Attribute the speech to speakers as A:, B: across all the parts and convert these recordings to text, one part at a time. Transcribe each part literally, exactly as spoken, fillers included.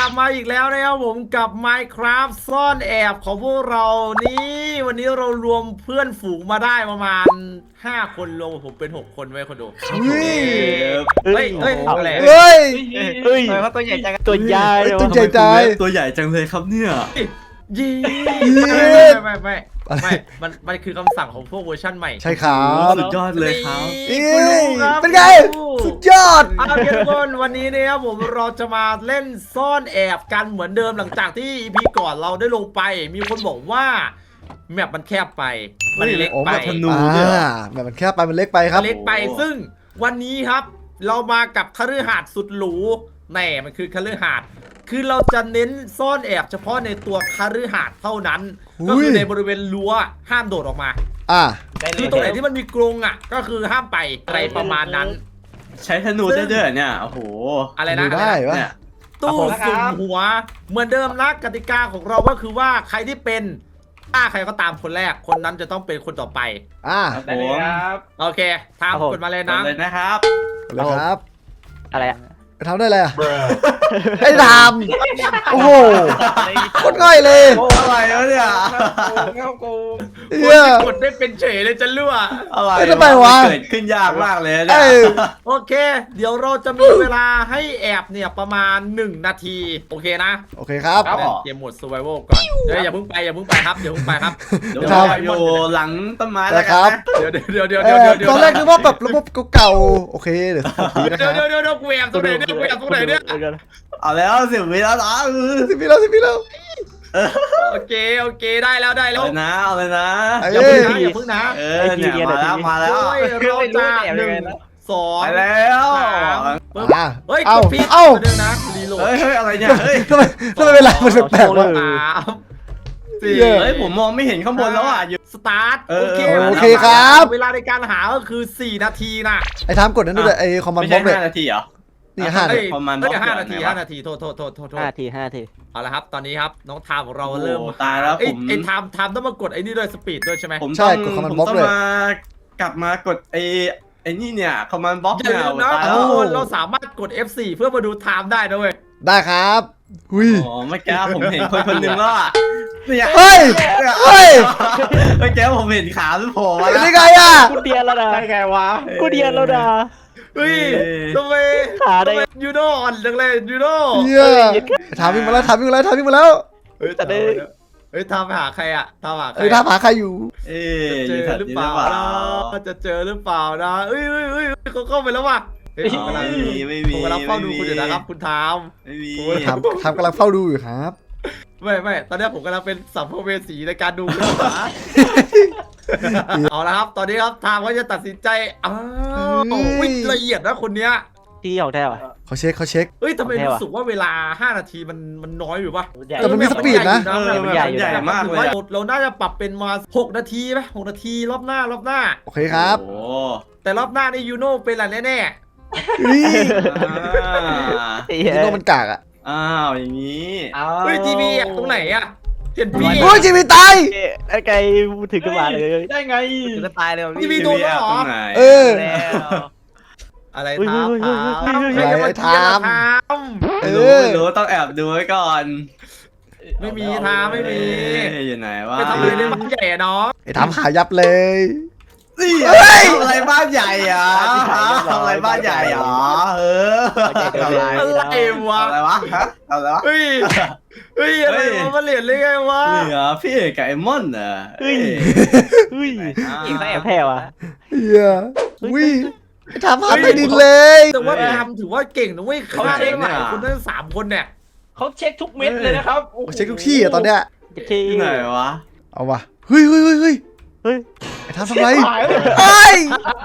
A: บมาอีกแล้วนะครับผมกับ Minecraft ซ่อนแอบของพวกเรานี่วันนี้เรารวมเพื่อนฝูงมาได้ประมาณห้าคนรวมผมเป็นหกคนไว้คนดู
B: เฮ้ย
A: เฮ้ยเฮ้ยอะไร
B: เฮ้ย
C: เฮ้ยเขาตัวใหญ่จังตัวใหญ่
B: ตัวใหญ่ใจ
D: ตัวใหญ่จังเลยครับเนี่ย
A: ยีไม่ไม่ไม่ไม่มันมันคือคำสั่งของพวกเวอร์ชั่นใหม่
B: ใช่ครับ
D: สุดยอดเลยครับ
A: นี่คุณรู้ครับ
B: เป็นไง สุดยอด
A: เอาเพื่อนทุกคนวันนี้นะครับผมเราจะมาเล่นซ่อนแอบกันเหมือนเดิมหลังจากที่ อี พี ก่อนเราได้ลงไป มีคนบอกว่าแมปมันแคบไปมันเล็ก
B: โอ้
A: ไป
B: แบบธนูอ่าแบบมันแคบไปมันเล็กไปครับ
A: เล็กไปซึ่งวันนี้ครับเรามากับคฤหาสน์สุดหรูแน่มันคือคฤหาสน์คือเราจะเน้นซ่อนแอบเฉพาะในตัวคฤหาสน์เท่านั้น ก็คือในบริเวณรั้วห้ามโดดออกมา
B: อ่า
A: คือตรงไหนที่มันมีกรงอ่ะก็คือห้ามไปอะไรประมาณนั้น
D: ใช้ธนูได้ด้วยเนี่ยโอ้โห
A: อะไรนะ
B: ได้วะ
D: เนี่ย
A: ตู้สุ่มหัวเหมือนเดิมนะกติกาของเราก็คือว่าใครที่เป็นถ้าใครก็ตามคนแรกคนนั้นจะต้องเป็นคนต่อไป
B: อ่า
D: ได้เลยครับ
A: โอเคทำกดมาเลยนะ
D: เลยนะครับ
B: เลยครับ
C: อะไรอะ
B: ไปทำได้เลยอ่ะไอ้ทำโอ้โหโคตรง่ายเลย
D: โอ้อะไรวะเนี่ย
B: เฮีย
A: กดได้เป็นเฉยเลยจะรั่ว
D: อะไร
B: เอ้ยทำไมวะ
D: เกิดขึ้นยากมากเลย
B: เอ
D: เนี่ย
B: อ
A: โอเค เดี๋ยวเราจะมีเวลาให้แอบเนี่ยประมาณหนึ่งนาทีโอเคนะ
B: โอเคครับ
D: ครับ
A: เกมโหมด survival ก่อนเดี๋ยวอย่าเพิ่งไปอย่าเพิ่งไปครับเดี๋ยวเพิ่งไปครับ
D: เดี๋ยว
B: ครั
D: เรา
B: บ
D: อยู่หลังต้นไม้
B: นะ
D: แล้ว
B: ค
D: กั
B: รั
D: น
B: บ
D: นะ
A: เดี๋ยวเดี๋ยวเดี๋ยว
B: เอ
A: เดี๋ยว
B: อ
A: เดี๋ยว
B: ตอนแรกนึกว่าแบบระบบเก่าๆโอเคเดี๋ยวคุยนะค
A: เดี๋ยว
B: รับ
A: เดี๋ยวเดี๋ยวกูแอบตรงไหนเนี่ยกูแอบตรงไหนเนี่ย
D: เอาแล้วสิบวิแล้วนะ
B: สิบวิแล้วสิบวิแล้ว
A: โอเคโอเคได้แล้วได้แล้ว
D: เอาเลยนะเอาเลยนะ
B: เอ้
A: อย่าเพิ่งนะอย่าเพิ่งนะ
D: เออเนี่ยมาแล้วมาแล้ว
A: โอ้ยเราจะหนึ่งสอง
D: ไปแล้ว
A: สามปึ๊บ
B: อ่า
A: เฮ้ยก
B: เอ้า
A: ดผิด
B: เอ้า
A: เดี๋ยวนะรีโหลด
D: เฮ้ยเฮ้ยอะไรเนี่ยเฮ้ย
B: ทำไมทำไมเวลามันแปลกๆวะ
A: สามสี่
B: เหี้ย
D: เฮ้ยผมมองไม่เห็นข้างบนแล้วอ่ะอยู่
A: สตาร์ท
D: เออ
A: โอเค
B: โอเคครับ
A: เวลาในการหาก็คือสี่นาทีนะ
B: ไอ้ทำกดนั้นด้วยไอ้คอมมาน
D: ไม่
B: ด์บล็
D: ใช่
B: อกเลย
D: ห้านาทีเหรอ
B: นี่ห้า
A: เอ้
B: เนี่ย
A: ย
D: ประมาณ
A: เอ้ย
D: บล็อก
A: ห้า
D: เดียว
A: นาที
D: ไหนวะ
A: ห้านาทีโทษโทษโทษโทษโทษ
C: ห้าทีห้าที
A: เอาละครับตอนนี้ครับน้องทามของเราเริ่ม
D: โอ้ตายแล้ว
A: เอ้ย
D: ผม
A: ไอ้ทามทามต้องมากดไอ้นี่ด้วยสปีดด้วยใช่ไหม
D: ผม
B: ใช่
D: ต้อง
B: กด command
D: ผม
B: block
D: ต้อง
B: เลย
D: มากลับมากดไอ้ไอ้นี่เนี่ยคอมมานด์บล็อก
A: อ
D: เนี่
A: ย่ายลืมนะ
D: ตาย
A: ทุ
D: แล้
A: ก
D: ว
A: คนเราสามารถกด เอฟ โฟร์ เพื่อมาดูไทม์ได้นะเว้ย
B: ได้ครับหุย
D: อ๋อเมื่อกี้ผมเห็นคนคนหนึ่งแล้วอ่ะเนี่ย
B: เฮ้ยเฮ้ย
D: เมื่อกี้ผมเห็นขามันโผล่มา
B: เป็น
D: แล้ว
B: ได้ไงอ่ะ
C: กูเดียนแล้วนะไงวะกูเดียนแล้วนะ
A: เฮ้ยทำไม
C: ขาได้
A: ทำไมยูโน่อ่อนจังเลยยูโน่
B: เฮียถามวิ่งมาแล้วถามวิ่งมาแล้วถามวิ่งมาแล้ว
A: เฮ้ย
C: แต่ได้
A: เฮ้ยทามไปหาใครอะทามหาใคร
B: เอ้ยถามหาใครอยู่
D: เอ๊
A: จะเจอหรือเปล่านะจะเจอหรือเปล่านะเอ้ยเอ้ยเอ้ยเขาเข้าไปแล้วว่ะเฮ้ยผมกำลัง
D: ไม่มีไม่มี
A: ผมกำลังเฝ้าดูคุณอยู่นะครับคุณทาม
D: ไม่มี
A: โอ้ย
B: ถามถามกำลังเฝ้าดูอยู่ครับ
A: ไม่ไม่ตอนนี้ผมกำลังเป็นสัมภเวสีในการดูคุณหมาเอาละครับ ตอนนี้ครับทามเขาจะตัดสินใจอ้าววิ่งละเอียดนะคนเนี้ย
C: ที่ของแท้วะ
B: เขาเช็คเขาเช็ค
A: เอ้ยทำไม
C: โอเควะ
A: รู้สึกว่าเวลาห้านาทีมันมันน้อยอยู่ปะ
B: แต่มันมีสปีดนะ
D: เออมันใหญ่ใหญ่มากเลยอะ
A: เราน่าจะปรับเป็นมาหกนาทีไหมหกนาทีรอบหน้ารอบหน้า
B: โอเคครับ
D: โอ้
A: แต่รอบหน้านี่ยูโน่เป็นอะไรแน่
B: เฮ้ย
D: อ่า
C: ไอ้
B: นี่
C: เหี้ย
B: ก็มันกากอ่ะ
D: อ้าวอย่างนี้
A: ๆเฮ้ยทีวีตรงไหนอะเห็นพี่
B: โอ้ยจีบีตาย
C: ไอ้ไก่ถึงขึ้นมาเลย
D: ได้ไง
C: ถึงจะตายเลย
A: ทีวีโดนแล้วเหรอ
D: ตรงไหน
B: เออ
A: อะไร
C: เฮ้ย
A: ทาม
C: เฮ้ย
A: ทาม
C: เฮ้ยเฮ้ย
A: ใครจะมาเทียร์ทาม
B: เอ
D: ไม่รู้
B: อ
D: ไม่รู้ต้องแอบดูไว้ก่อน
A: ไม่มีทามไม่มี
D: เอ๊ะอยู่ไหนวะ
A: ไปทำอะไรในบ้านใหญ่อะน้อง
B: ไอ้ถามหายับเลย
D: นี่
B: เฮ้ย
D: ทำอะไรบ้านใหญ่อ่ะทำอะไรบ้านใหญ่เหรอเออทำอะไร
A: อะไรวะ
D: ทำอะไรวะฮะทำอะไรวะ
A: เฮ้ยเฮ้ยอะไรวะมาเหรียญเลยไงวะ
D: นี่เหรอพี่เอกกับไอ้มอนเหรอ
C: เฮ้ยเฮ้ยอีกแอบแพ้วะ
B: เฮียอุ้ยไอ้ถามหาใต้ดินเลย
A: แต่ว่าทามถือว่าเก่งนะเว้ยเขาเช็คหลายคนทั้งสามคนเนี่ย
E: เขาเช็คทุกเม็ดเลยนะครับ
B: เขาเช็คทุกที่อ่ะตอนเนี้ย
C: ที่
D: ที่ไหนวะ
B: เอาวะเฮ้ยเฮ้ยเฮ้ยเฮ้ย
C: เฮ้ย
B: ไอ้ถามทำไร
E: หายเลย
B: ไอ้ย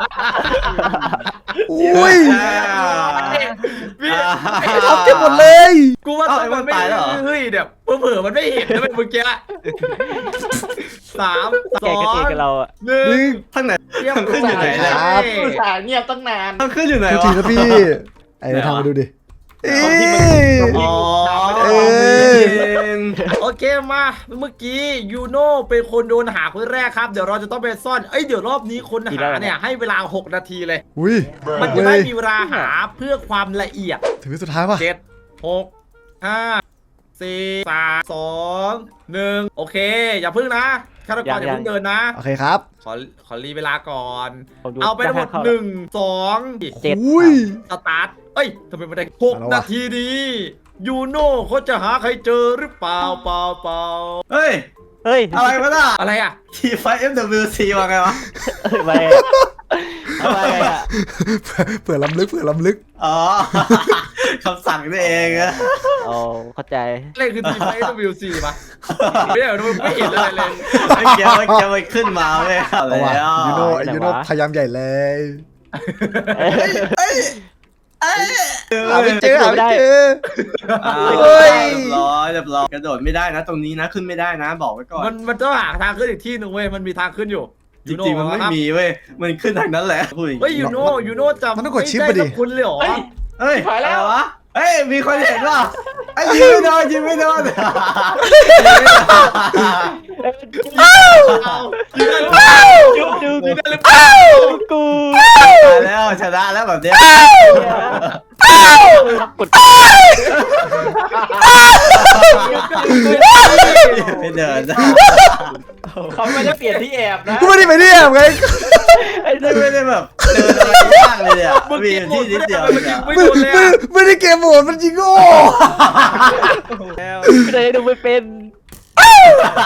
B: อุ้ย
A: พี่
B: ไอ้ถามเก็บหมดเลย
A: กูว่าต้องมันไม่เฮ้ยเดี๋ยวเผื่อมันไม่เห็นนะเมื่อกี้สามส
C: แก
A: อง
C: กันเองกับเราอ่ะ
A: หนึ่
B: หนึ่
A: ง
B: ง
D: ทางไหน
A: เรียบ
D: ขึ้นอยู่ไหน
A: ร้
D: เนี่ย
A: อย
E: อุตส่าห์เงียบตั้งนาน
D: ทางขึ้นอยู่ไหน
B: โทษที
D: วะ
B: นะพี่ไอ้ทำมาดูดิเอ้ย
D: อ๋อ
B: เออ
A: โอเคมาเมื่อกี้ยูโน่เป็นคนโดนหาคนแรกครับเดี๋ยวเราจะต้องไปซ่อนเอ้ยเดี๋ยวรอบนี้คนหาเนี่ยให้เวลาหกนาทีเลย
B: อุ้ย
A: มันจะได้มีเวลาหาเพื่อความละเอียด
B: ถึงสุดท้ายป่ะ
A: เจ็ดหกห้าสี่สามสองหนึ่งโอเค อย่าพึ่งนะฆาตกรอย่าเพิ่งเดินนะ
B: โอเคครับ
A: ขอขอรีเวลาก่อน
C: ผมดู
A: เอาไปทั้งหมด
C: เข้า
A: หนึ่งสอง
C: เจ็ด
B: อุ้ย
A: สตาร์ทเอ้ยทำไมไม่ได้หก
B: เอาละวะ
A: นาทีนี้ยูโน่เขาจะหาใครเจอหรือเปล่าเปล่าเปล่า
D: เฮ้ย
C: เฮ้ย
D: อะไรวะน่ะ
A: อะไรอ่ะ
D: ทีไฟเอ็มดับเบิลยูซีว่าไงวะ
C: เฮ้ยมาอะไรอ่ะ
B: เผื่อล้ำลึกเผื่อล้ำลึก
D: อ๋อ คำสั่งนี่เองอะ
C: โอ้เข้าใจ
A: อะไรคือทีมไฟดับเบิลยูซีปะไม่ได้ไม่เห็นอะไรเลย
D: เมื่อกี้เมื่อกี้มันขึ้นมาเว้ยเอา
B: เอา
D: แล้
B: ว่ะ
D: ว
B: ยูโน่
C: ไหนวะ
B: ยูโน่พยายามใหญ่เลย
D: เอ้ย
B: หาไม่เจอหาไม่เจอ
D: อ้าว
B: เฮ้ย
D: เรียบร้อยเรียบร้อยกระโดดไม่ได้นะ ตรงนี้นะขึ้นไม่ได้นะ บอกไว้ก่อน
A: มันมันต้องหาทางขึ้นอีกที่หนึ่งเว้ยมันมีทางขึ้นอยู่
D: จริงๆมันไม่มีเว้ยมันขึ้นทางนั้นแหละพูดอย่าง
A: เฮ้ย
D: นี้
A: ยูโน่ยูโน่จำ
B: มันต้องกดชิปไปดิ
A: ไม่ไคุณเลยเหรอ
E: เฮ้ย
D: เฮ้ย
E: ถ่ายแล้ว
D: อะไรวะเฮ้ยมีคนเห็นป่ะไอ้ยิงไม่โดนยิงไม่โดน
A: เอายูโน่
C: จุ๊บจุ๊บ
A: ยูโน่หรือเปล่า
C: กู
D: ตายแล้วชนะแล้วแบบเนี้ย
C: กด
D: ไม่เดินนะ
E: เขาไม่ได้เปลี่ยนที่แอบนะ
B: กูไม่ได้ไปเนี่ยไง
C: ไอ้
D: ไม่
C: เด็ก
D: ไม่ได้แบบเดินอะไรยากเลยเนี่ยมีอยู่ที่นิดเดียว
A: มัน
D: เนี่ย
A: ไม่
B: ไม่
A: โดนเลย
B: ไม่
A: อะ
B: ไม่ได้เกมโหมดมันจริงโง่
C: ไม่ได้ดูไม่เป็น
A: เฮ้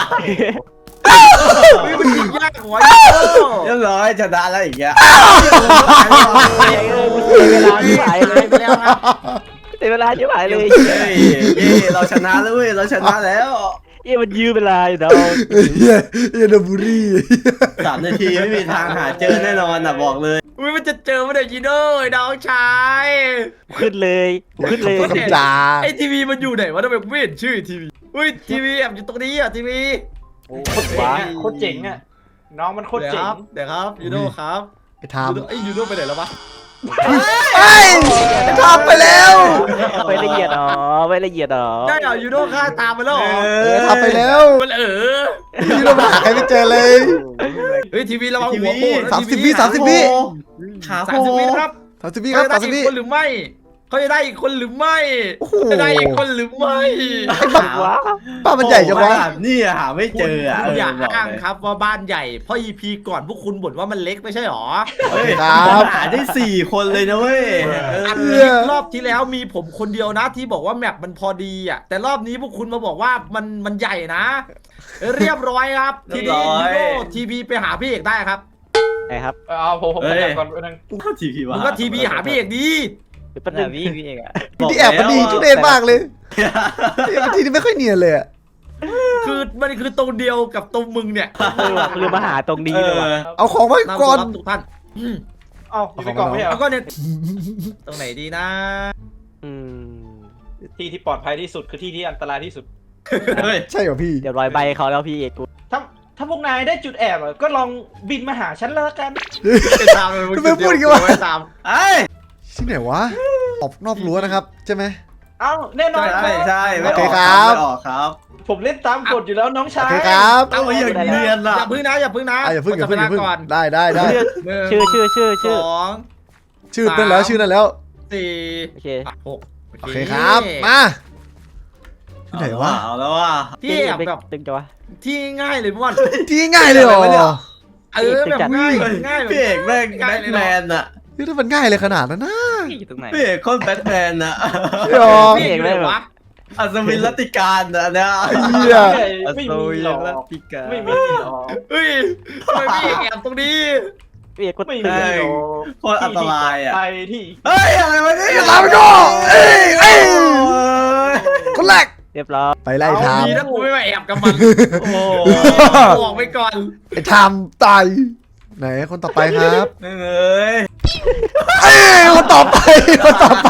A: ยมันยิงยากกว่ายูโน่
D: เรียบร้อยชนะแล้วอย่างเงี้ย
C: เฮ้ยเออกูเสียเวลาที่หายเลย
A: ไปแล้วครับ
C: เสียเวลาที่หายเลย
D: เฮ้ยเย้เราชนะแล้วเว้ยเราชนะแล้ว
C: เอ้ยมันยืมเวลาอยู่เนาะ
B: เฮียเฮียโดบุรี
D: สามนาทีไม่มีทางหาเจอแน่นอนอ่ะบอกเลย
A: อุ้ยมันจะเจอมันเดี๋ยวยูโน่ไอ้น้องชาย
C: ขึ้นเลยขึ้นเลย
B: คำจา
A: ไอ้ทีวีมันอยู่ไหนวะทำไมกูไม่เห็นชื่อทีวีอุ้ยทีวีแอบอยู่ตรงนี้อ่ะทีวี
E: โอ้โคตรเจ๋งอะโคตรเจ๋งอะน้องมันโคตร
A: เดี๋ยว
E: เจ๋
A: ค
E: ง
A: รับเดี๋ยวครับยูโน่ครับ
B: ไอ้ทาม
A: ยูโน่ไอ้ยยูโน่ไปไหนแล้ววะ
B: ไอ้ไอ้ทามไปแล้ว
C: ไปละเอียดอ๋อไปละเอียดอ๋อ
A: ได้เหรอยูโน่ฆ่าตามไปแล้วเหรอ
B: เออทามไปแล้ว
A: มันเออ
B: ยูโน่มาหาใครไม่เจอเลย
A: เฮ้ยทีวีระวัง
D: ที
A: หั
D: วี
A: วโขกนะ
B: สามสิบ
A: ที
B: วิสามสิบวิ
D: ขา
A: สามสิบวินะครับ
B: สามสิบวิครับ
A: เขา
B: สาม
A: จะ
B: สิบ
A: ได้
B: วิ
A: อีกคนหรือไม่เขาจะได้อีกคนหรือไม่
B: โอ้โห
A: จะได้อีกคนหรือไม่
B: ไอ้บ้า
C: ว้า
B: บ้ามันใหญ่จังวะ
D: นี่หาไม่เจออ่ะ
A: คุณอย่า
D: เบอก
A: อ้าง
D: เลย
A: ครับว่าบ้านใหญ่เพราะ อี พี ก่อนพวกคุณบ่นว่ามันเล็กไม่ใช่หรอ
D: เฮ้ย
B: ครับ
D: หาได้สี่คนเลยนะเว้ยเออ
A: อันนี้รอบที่แล้วมีผมคนเดียวนะที่บอกว่าแมปมันพอดีอ่ะแต่รอบนี้พวกคุณมาบอกว่ามันมันใหญ่นะ เรียบร้อยครับ ทีนี้ยูโน่ทีวีไปหาพี่เอกได้ครับ
C: ไงครับ
E: เอาผมผมขยับก่อนไปนึง
D: เข้าทีพีวะ
A: มึงก็ทีวีหาพี่เอกดี
C: เป็นหนึ่งพี่พี่เองอะ
B: ที่แอบมันดีทุเรศมากเลยไอ้ทีนี่ไม่ค่อยเนียนเลยอะ
A: คือมันคือตรงเดียวกับตรงมึงเนี่ย
C: เออว่ะลืมมาหาตรงนี้
D: เอ
C: เลยว่ะ
D: อ
B: เอาของไว้
A: นำ
B: ก่
A: ตั
B: อ
A: วน รับทุกท่านอืม
E: เอาอยู่ในกล่องไม่ใช่เหร
A: แล้
E: อ
A: วก็เนี่ยตรงไหนดีนะ
C: อืม
E: ที่ที่ปลอดภัยที่สุดคือที่ที่อันตรายที่สุด
D: เฮ้ย
B: ใช่เหรอพี่
C: เดี๋ยวรอยใบเขาแล้วพี่เอกกู
E: ถ้าถ้าพวกนายได้จุดแอบอะก็ลองบินมาหาฉันแล้วกัน
A: ไปตามเลย
B: ทำไมพูดอย่างงี้วะ
A: ไปตาม
D: ไอ้
B: ที่ไหนวะออกนอกรั้วนะครับใช่ไหม
E: เอ้าแน่นอน
D: ใช่ใช่ไม่
B: โอ
D: อ
B: เค
D: อก
B: ค
D: ค
B: รั
D: รับ บไม่ออกครับ
E: ผมเล่นตามกฎอยู่แล้วน้อง
B: โอ
E: ชาย
B: เคครับ
D: เอาไว้อย่างเนียน
A: อ
D: อ่ะ
A: ย่าพึ่งนะอย่าพึ่งนะ
B: อ่ะอย่าเพิ่งอย่าเพิ่งอย่าเพิ่ง
A: ก่อน
B: ได้ได้ได้
A: หนึ่ง
C: ชื่อชื่อชื่อ
A: ส
C: ชื่อ
A: อง
B: ชื่อนั่นแล้วชื่อนั่นแล้ว
A: สี่
C: โอเค
A: หก
B: โอเคครับมาที่ไหนวะ
D: เอาแล้วว่า
A: ที่แอบแบบ
C: ตึงจังวะ
A: ที่ง่ายเลยพี่บอล
B: ที่ง่ายเลยเหรอ
D: อะไรวะเนี่ย
A: เออแบบง่าย
D: เฮ้ย
A: ง่ายแบบ
D: พี่เอกแม่งแบทแมนอ่ะ
B: นี่ถ้ามันง่ายเลยขนาดนั้นนะ
C: พี่อยู่ตรงไหน
D: พี่เอกคนแบทแมนอ่ะ
B: พี่หรอ
A: พี่เอกเลยวะ
D: อัศวินรัตติการอ่ะนะ
B: เหี้ย
E: ไม่มีหรอก
D: ติการ
E: ไม่มีหรอก
A: เฮ้ยทำไมพี่เอกแอบตรงนี้
C: พี่เอกกู
E: ไม่มีหรอก
D: โคตรอันตรายอ่ะ
E: ไปที่
D: เฮ้ยอะไรวะเนี่ย
B: อย่าตามไปก่อนเอ้ยเอ้ย
D: โอ้ย
B: คนแรก
C: เรียบร้อย
B: ไปไล่
A: เอา
B: ทาม
A: ดีนะกูไม่มาแอบกับมัน
D: โอ้โห
A: บอกไปก่อน
B: ไอ้ทามตายไหนคนต่อไปครับ
D: เอ้ย
B: เอ้ยคนต่อไปคนต่อไป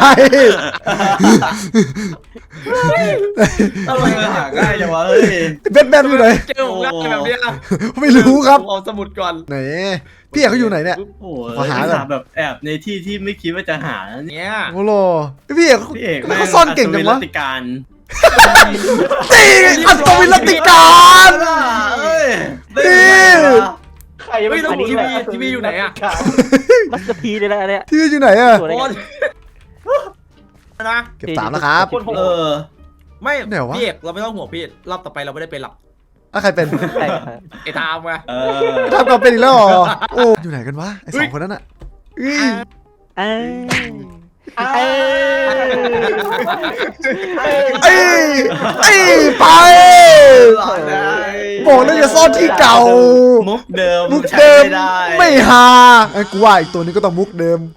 A: ทำไม
D: เออ
A: อะ
D: หาง่ายจังวะเฮ้ย
B: แบทแมนอยู่ไหน
A: เจอผมง่ายแบบเนี้ย
B: ไม่รู้ครับ
A: เอาสมุดก่อน
B: ไหนพี่เอกเขาอยู่ไหนเนี่ย
D: โอ้โห
B: ขอหาก่อน
D: หาแบบแอบในที่ที่ไม่คิดว่าจะหานะเนี่ย
A: เนี่ย
B: โอ้โหพี่เอก
D: พี่เอก
B: เขาซ่อนเก่งจังวะ
D: อัศวินรัตติการ
B: ตีอัศวินรัตติการ
D: เอ้ย
B: นี่
E: ใครยังไม่รู้
A: ทีวีทีวีอยู่ไหนอะ
C: มัสเตอร์พีเลยนะอันเนี้ย
B: ที่อยู่ไหนอะ
C: สวยเลย
A: โอ้ยนะ
B: เก็บสามแล้วครับ
E: คนหก
D: เออ
A: ไม่
B: ไหนวะ
A: พี่เอกเราไม่ต้องห่วงพี่รอบต่อไปเราไม่ได้เป็นหรอก
B: อ่ะใครเป็น
C: ใช่
A: ไอ้ทามไง
D: เออ
B: ทำกับเป็นอีกแล้วเหรอโอ้อยู่ไหนกันวะไอสองคนนั้นอ่ะอื้อ
C: เอ้ย
E: เอ้ย
B: เอ้ยเอ้ยไปบอกแล้วอย่าซ่อนที่เก่า
D: มุกเดิม
B: มุก
D: ใช้
B: เดิม
D: ไม่ได้
B: ไม่ฮาไอ้กูว่าอีกตัวนี้ก็ต้องมุกเดิม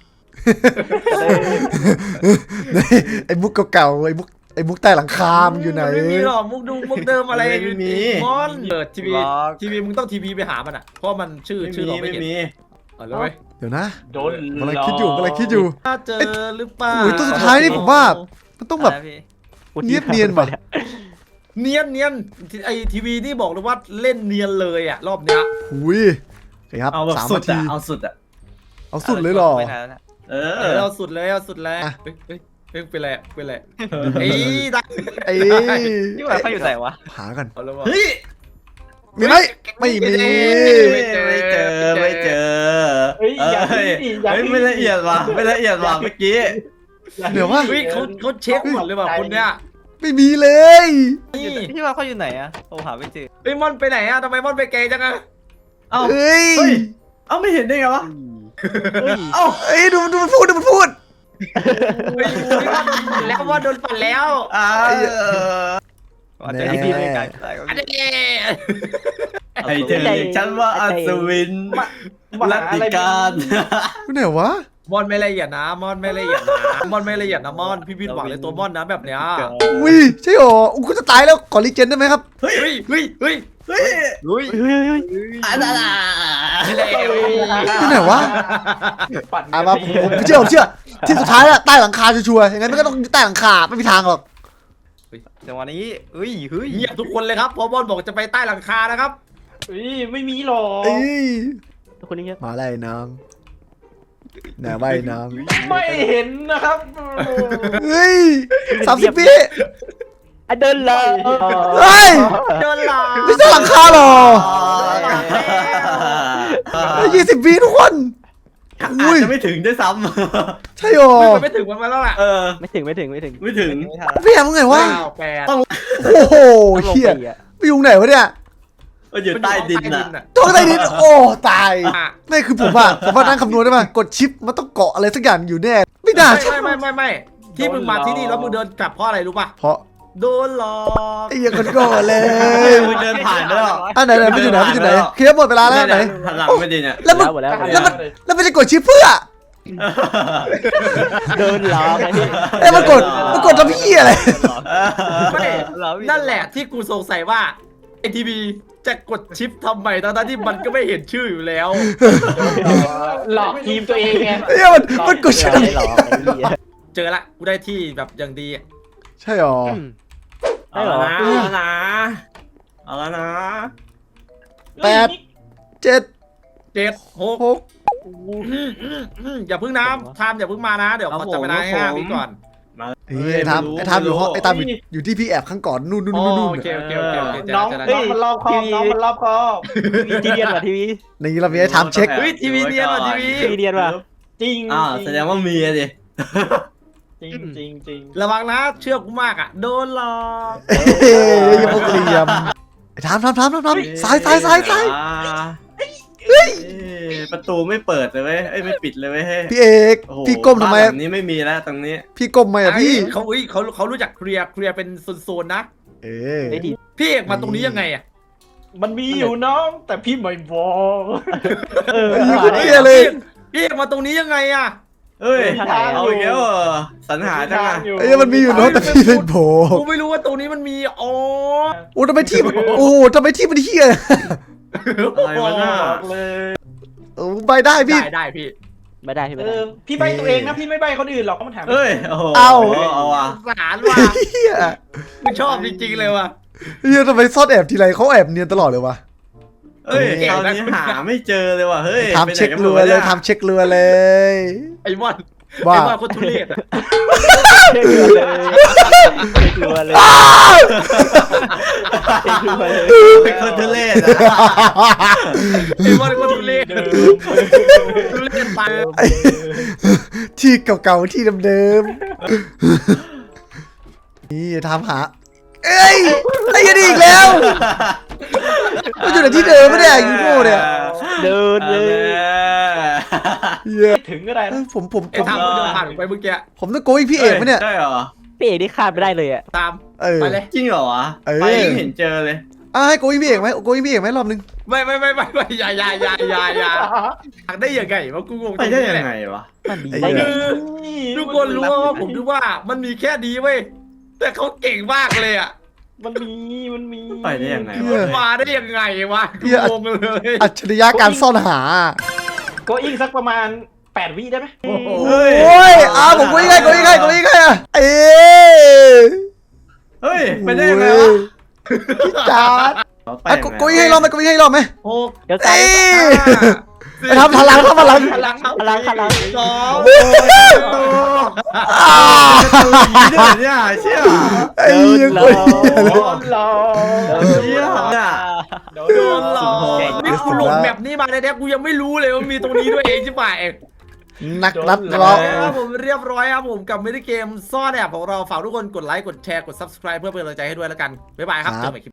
B: ไอ้มุกเก่าๆไอ้มุกไอ้มุกใต้หลังคามันอยู่ไหน
A: ไม่มีหรอกมุกดูมุกเดิมอะไร
D: ไม่มี
A: มอนเปิดทีวี
D: หรอก
A: ทีวีมึงต้องทีวีไปหามันอ่ะเพราะมันชื่อ
D: ไม่
A: ชื่อ
D: มี
A: เราไม่
D: ไม่
A: เห็น
D: มี
A: เอาเลยเว้ย
B: เดี๋ยวนะ
E: โดน
B: กำลังคิดอยู่กำลังคิดอยู่
A: ถ้าเจอหรือเปล่า
B: โอ้ยตัวสุดท้ายนี่ผมว่า มันต้องแบบ เนียบเนียนว่ะ
A: เนียนเนียนไอทีวีนี่บอกเลยว่าเล่นเนียนเลยอ่ะรอบเนี้ย
B: หุยโอเคครับ
D: เอาแบบ
B: สาม
D: สุ
B: นา
D: ด
B: ที
D: อะเอาสุดอะ
B: เอาสุดเลยเหรอ
D: เอ
A: เอ
D: อ
A: อเอาสุดเลยเอาสุดเลย
B: อ่ะ
A: เฮ้ยเฮ้ยเฮ้ยเป็นไรเป็นไรไอ้ได้
B: ไอ้
C: นี่หว่าเขาอยู่ไหนวะ
B: หากัน
A: เอาแล้ววะ
D: เฮ้ย
B: มีไหมไม่มี
D: ไม่เจอไม่เจอไม่เจอ
E: เฮ้ยอย่า
D: เฮ้ย
E: พี่อย่า
D: เฮ้ย
E: พี่
D: ไม่ละเอียดว่ะไม่ละเอียดว่ะเมื่อกี้
B: เดี๋ยวว่า
A: เฮ้ยเขาเขาเช็คก่อนเลยว่ะคนเนี้ย
B: ไม่มีเลย
A: นี่
C: พี่ว่าเขาอยู่ไหนอะผมหาไม่เจอ
A: เฮ้ยมอนไปไหนอ่ะทำไมมอนไปไกลจังอ่ะ
D: เอ้า
B: เฮ้ย
D: เฮ้ยเอ้าไม่เห็นได้ไงวะ
C: เฮ้ย
D: เอ้า
B: เอ้ยดูดูมันพูดดูมันพูด
A: เฮ้ยแล้วมอนโดนปั่นแล้ว
D: อ่า
C: อาจจะพี่ไม่ไกล
A: อันนี้
D: ให้เธอเรียกฉันว่าอัศวิน
E: มา
D: รั
E: หา
D: ติ
E: อะไร
D: การ
B: ไหนวะ
A: มอนไม่ละเอียดนะมอนไม่ละเอียดนะมอนไม่ละเอียดนะมอนพี่พิดหวังเลยตัวมอนนะแบบเนี้ย
B: อุ้ยใช่หรออุ้ยกูจะตายแล้วขอรีเจนได้ไหมครับ
D: เฮ้ย
A: เฮ้ยเฮ้ยเฮ้ย
D: เฮ้ย
C: เฮ้ยเฮ้ยเฮ้ย
D: อันนั้นอ่ะ
B: ที่ไหนวะ
E: ปั่น
B: อ่ะมาผมผมเชื่อผมเชื่อที่สุดท้ายแล้วใต้หลังคาชัวร์ๆอย่างนั้นมันก็ต้องใต้หลังคาไม่มีทางหรอก
C: จังหวะนี้เฮ้ยเฮ้ย
A: เงียบทุกคนเลยครับเพราะมอนบอกจะไปใต้หลังคานะครับ
E: เฮ้ยไม่มีหรอก
B: เอ้ย
C: คนนี้ครับ
B: มาไล่น้องไหนไว้น้อง
E: ไม่เห็นนะครับ
B: เฮ้ยสามสิบปี
C: อ่ะเดินเลย
B: เฮ้ย
A: เดินหลัง
B: ไม่ใช่หลังคาหรอยี่สิบปีทุกคน
D: อา
B: อุ้
D: จ
B: ย
D: จะไม่ถึงด้วยซ้
B: ใช่หรอ
A: ไม่ไม่ถึงมันมาแล้วล่ะ
D: ำเออ
C: ไม่ถึงไม่ถึงไม่ถึง
D: ไม่ถึง
B: พี่แอมมึงไงวะ
A: เก้าแปด
B: โอ้โห
C: ต้องลง
B: เฮีย
C: ไปอ่ะ
B: ไปอยู่ไหนวะเนี่ย
D: ก็อยู่ใต้ดินอ่ะ
A: อ่ะ
B: ตัวใต้ดินโอ้ตาย
A: อ่ะ
B: ไม่คือผมอะผมว่านั่งคำนวณได้ป่ะกดชิปมันต้องเกาะอะไรสักอย่างอยู่แน่ไม่น่าใช่
A: ไม่ไม่ไม่ไม่ที่มึงมาที่นี่แล้วมึงเดินกลับเพราะอะไรรู้ป่ะ
B: เพราะ
A: โดนหลอก
B: ไอ้เหี้ยังคนโง่เลย
D: มึงเดินผ่านไปแล้ว
B: อ่ะไหนไหนไม่อยู่ไหนไม่อยู่ไหนเคลียร์หมดเวลาแล้วไหน
D: หันหลังไม่ดีเนี่ย
B: แล้วมึง
C: หมดแล้วหมด
B: แล้
C: แล้ว ว
B: มันแล้วมันจะกดชิปเพื่อ
C: เดินหลอกไอ้นี่
B: เอ้ยมันกดมันกดทำพี่อะไร
A: ไม่นั่นแหละที่กูสงสัยว่าไอทีวีจะกดชิปทำไมทั้งๆที่มันก็ไม่เห็นชื่ออยู่แล้ว
E: หลอกทีมตัวเองไง
B: เอ้ยมันมันกดชิป
C: ไม่หลอกไอ้นี่
A: เจอละกูได้ที่แบบอย่างดีอะ
B: ใช่หรอ
C: ได้เหรอ
D: เอาแล้วนะเอาแล้วนะ
B: แปดเจ็ด
A: เจ็ดหก
B: หก
A: อืมอืมอืมอย่าเพิ่งนะทามอย่าเพิ่งมานะ เดี๋ยวขอจับเวลาให้ห้าวิก่อน
B: เฮ้ยไอ้ทามไอ้ทามอยู่ห้องไอ้ทามอยู่อยู่ที่พี่แอบข้างก่อนนู่นนู่น
A: อ๋อ
B: นู่นนู่น
A: โอเคโอเคโอเคโอเคเจอ
E: น้อง
A: แล้ว
E: น้องมันรอบคอบน้องมันรอบคอบ
C: ทีวีทีเดียนว่ะทีวี
B: นี่เรามีไอ้ทามเช็ค
A: เฮ้ยทีวีเนียนว่ะทีวี
C: ทีวีเดียนว่ะ
E: จริง
D: อ่าแสดงว่ามีอะดิ
E: จริงจริงจริง
A: ระวังนะเชื่อกูมากอ่ะโดนหลอก
B: เฮ้ยอย่าพวกเหลี่ยมไอ้ทามทามทามทามทามซ้ายซ้ายซ้ายซ้าย
D: อ่เฮ้ยประตูไม่เปิดเลยเว้ยเอ้ยไม่ปิดเลยเว้ย
B: พี่เอก
D: โอ้โห
B: พี่ก้มทำไม
D: บ้านหลังนี้ไม่มีแล้วตรงนี้
B: พี่ก้มไหมอะพี่
A: เขาอุ้ยเขาเขารู้จักเคลียร์เคลียร์เป็นโซนๆนะ
B: เออ
C: ไอ้ดี
A: พี่เอกมาตรงนี้ยังไงอ่ะ
E: มันมีอยู่น้องแต่พี่ไม่บอก
C: เออ
B: ไอ้ยี่ก็เที่ยเลย
A: พี่เอกมาตรงนี้ยังไงอ่ะ
D: เอ้ย
C: ทางไหนอะ
D: เอาอีกแล้วเหรอสรรหาจังอะ
B: ไอ้ยี่มันมีอยู่เนาะแต่พี่ไม่บอก
A: กูไม่รู้ว่าตรงนี้มันมีอ๋อ
B: โอ้ทำไมที่มันโอ้ทำไมที่มันเฮีย
D: อะไรวะน่า
E: บอกเลย
B: เออไปได้พี่
A: ได้ได้พี่
C: ไม่ได้พี่ไม่
E: เอ
C: ได้
E: อพี่ใบตัวเองนะพี่ไม่ใบคนอื่นหรอกก็มันถาม
D: เอ้ยโอ้โห
B: เอา
D: เอาว่ะ
A: สารว่ะ
B: เฮีย
A: กูชอบจริงๆเลยว่ะ
B: เฮียทำไมซ่อนแอบทีไรเขาแอบเนียนตลอดเลยวะ
D: เอ้ย
A: เก่ง
D: คราว
A: นะ
D: นี้หาไม่เจอเลยว่ะเฮ้ย
B: ทำเช็ค
D: ไปไหนกันหม
B: รั
D: ด
B: ว
D: วะ
B: เล
D: นี่
B: ยทำเช็ครัวเลย
A: ไอ้มอน
B: ว่า
A: ไอ้มอนคนทุเรศอะ
C: เชื่อเลยเชื่อเลย
B: อ้าว
C: เชื่อเลย
D: เป็นคนทุเรศนะ
A: ไอ้มอนคนทุเรศทุเรศตาย
B: ไอ้ที่เก่าๆที่เดิมๆนี่ทำหาเอ้ยไอ้ยันอีกแล้วมันอยู่ในที่เดิมไม่ได้ยูโน่เนี่ย
C: เดินเลย
B: เหี้ย
E: ถึงก็ได้
B: เอ้
E: นะ
B: ยผมผม
A: ไอ้
B: ผม
A: ทามมันจะผ่านไปเมื่อกี้
B: ผมต้องโกยพี่เอกไหมเนี่ย
D: ใช่เหรอ
C: พี่เอกนี่ข้ามไปได้เลยอ่ะ
A: ตาม
B: เออ
A: ไปเลย
D: จริงเหรอวะ
B: เออ
D: ไปยังเห็นเจอเลย
B: อ่ะให้โกยพี่เอกไหมโกยพี่เอกไหมรอบนึง
A: ไม่ไม่ไม่ไม่ไม่อย่าอย่าอย่าอย่าอย่าอยากได้ยังไงวะกูงง
D: ไปได้ยังไงวะ
C: มันดี
B: ไอ้
C: ได้
B: เหี้ย
C: ไง
A: คือทุกคนรู้ว่าผมคิดว่ามันมีแค่นี้เว้ยแต่เขาเก่งมากเลยอ่ะ
E: มันมีมันมี
D: ไปได้ยังไง
B: เหี้ย
D: วะ
A: มาได้ยังไงวะกู
B: เหี้ย
A: งงเลย
B: อัจฉริยะการซ่อนหา
E: โกอิงสักประมาณแปดวิได้ไหม
D: เฮ้ย
B: โอ้ยอ่ะผมโกยให้โกยให้โกยให้อ่ะเอ้ย
D: เฮ้ยไปได้ยังไงวะ
B: พี่จาร์ด
D: ไป
B: อ่ะ
D: ยังไง
B: โกยให้รอบไหมโกยให้รอบไหม
A: หก
C: เดี๋ยวซ้า
B: เอ้
C: ย
B: ย ไปทำพลังทำพลัง
A: พลัง
C: พลังพลัง
A: สอง
B: อ่า
D: ผีด้วยเนี่ยเชี่ย
B: ไอ้เหี้ยโกย
E: โดนหลอก
D: เชี่ยเนี่ย
E: โดน
A: โดนหลอก
D: เก่ง
A: นี่กูหลงแบบนี้มาในแท้กูยังไม่รู้เลยว่ามีตรงนี้ด้วยเองใช่ป่ะเอง
B: นักนัด
A: แล้
B: เรา
A: วผมเรียบร้อยครับผมกับมินิเกมซ่อนแอบของเราฝากทุกคนกดไลค์กดแชร์กด ซับสไครบ์ เพื่อเป็นกำลังใจให้ด้วยแล้วกันบ๊ายบายครับเจอกันใหม่คลิป